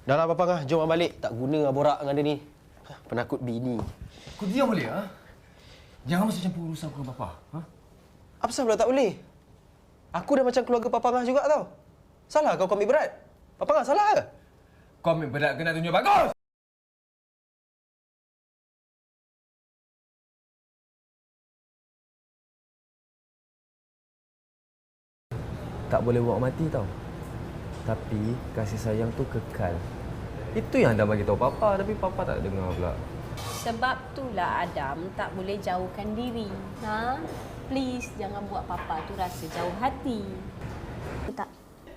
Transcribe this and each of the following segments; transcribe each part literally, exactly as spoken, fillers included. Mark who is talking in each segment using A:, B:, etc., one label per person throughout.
A: Dah lah, Papa Ngah. Jom Abang balik. Tak guna borak dengan dia ni. Penakut bini.
B: Kau diam boleh, ha? Jangan masuk campur urusan aku dengan Papa. Ha?
A: Apa sebab pula tak boleh? Aku dah macam keluarga Papa Ngah juga tau. Salah kau kau ambil berat? Papa Ngah salah ke?
B: Kau ambil berat kena tunjuk bagus!
C: Tak boleh buat mati tau. Tapi kasih sayang tu kekal. Itu yang Adam bagi tahu Papa, tapi Papa tak dengar pula.
D: Sebab itulah Adam tak boleh jauhkan diri. Ha? Please jangan buat Papa tu rasa jauh hati. Tak.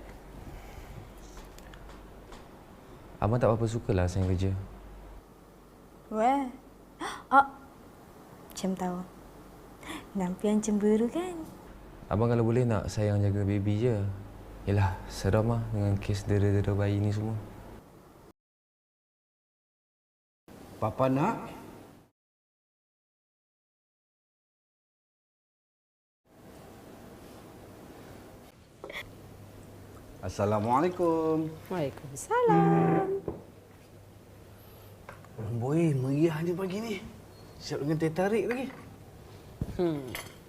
C: Abang tak apa-apa sukalah sayang kerja.
E: Weh. Oh. Macam tahu. Nampian cemburu kan?
C: Abang kalau boleh nak sayang jaga baby je. Yelah, seram lah dengan kes dera-dera bayi ni semua.
F: Papa nak? Assalamualaikum.
D: Waalaikumsalam.
F: Boy, meriahnya pagi ni. Siap dengan teh tarik lagi.
D: Hmm.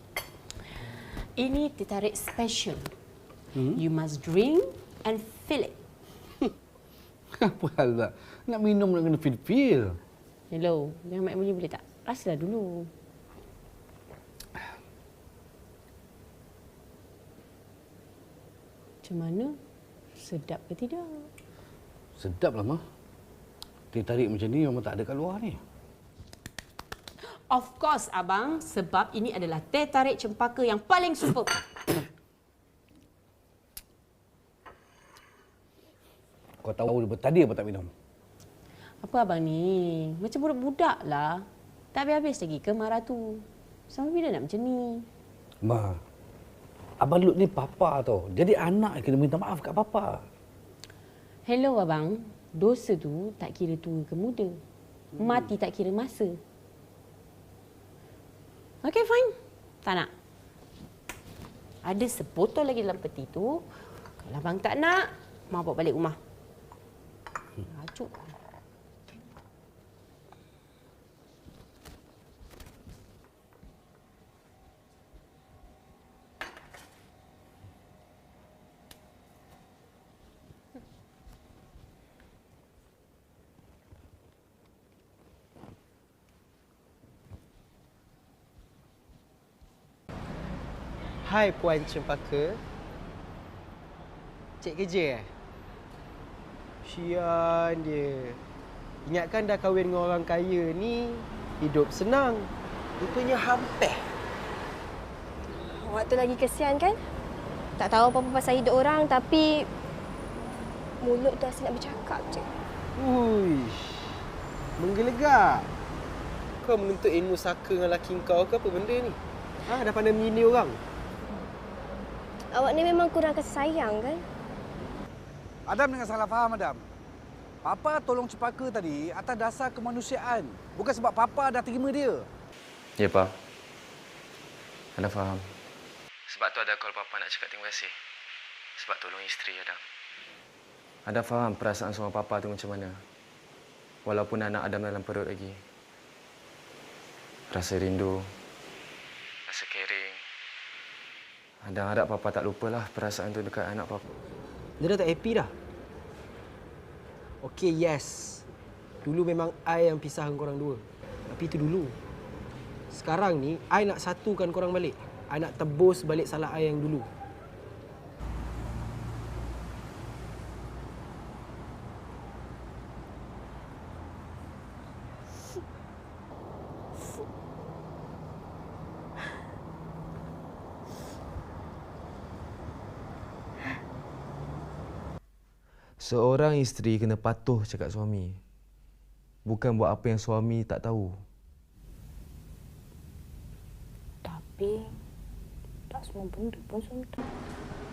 D: Ini teh tarik special. Hmm? You must drink and feel it.
F: Apa hal tak? Nak minum nak kena feel-feel.
D: Hello, jangan main bunyi boleh tak? Rasalah dulu. Macam mana? Sedap ke tidak?
F: Sedap lah, Mah. Teh tarik macam ni memang tak ada kat luar ni.
D: Of course, Abang. Sebab ini adalah teh tarik cempaka yang paling super.
F: Kau tahu tadi apa tak minum?
D: Apa Abang ni? Macam budak-budak lah. Tak habis-habis lagi ke marah tu? Sampai bila nak macam ni?
F: Ma, Abang Lut ni Papa tau. Jadi anak kena minta maaf kat Papa.
D: Hello Abang. Dosa tu tak kira tua ke muda. Mati tak kira masa. Okey, fine. Tak nak. Ada sebotol lagi dalam peti tu. Kalau Abang tak nak, Mak bawa balik rumah. Ajuk.
A: Hai Puan Cempaka. Cik kerja eh? Sian dia. Ingatkan dah kahwin dengan orang kaya ni, hidup senang. Rupanya hampir.
E: Awak tu lagi kesian kan? Tak tahu apa-apa pasal hidup orang tapi mulut tu asyik nak bercakap je.
A: Uish. Menggelegak. Kau menuntut ilmu saka dengan laki kau ke apa benda ni? Ha, dah pandai menyindir orang.
E: Awak ni memang kurang kasih sayang kan?
F: Adam dengan salah faham, Adam. Papa tolong Cempaka tadi atas dasar kemanusiaan. Bukan sebab Papa dah terima dia.
C: Ya, Pak. Anda faham. Sebab tu ada call Papa nak cakap terima kasih. Sebab tolong isteri Adam. Anda faham perasaan seorang Papa tu macam mana? Walaupun anak Adam dalam perut lagi. Rasa rindu. Rasa caring. Anda harap Papa tak lupalah perasaan tu dekat anak Papa.
A: Dia dah tak happy dah. Okey, yes. Dulu memang I yang pisahkan korang dua. Tapi itu dulu. Sekarang ni, I nak satukan korang balik. I nak tebus balik salah I yang dulu.
C: Seorang isteri kena patuh cakap suami. Bukan buat apa yang suami tak tahu.
E: Tapi tak semua benda pun suami tahu.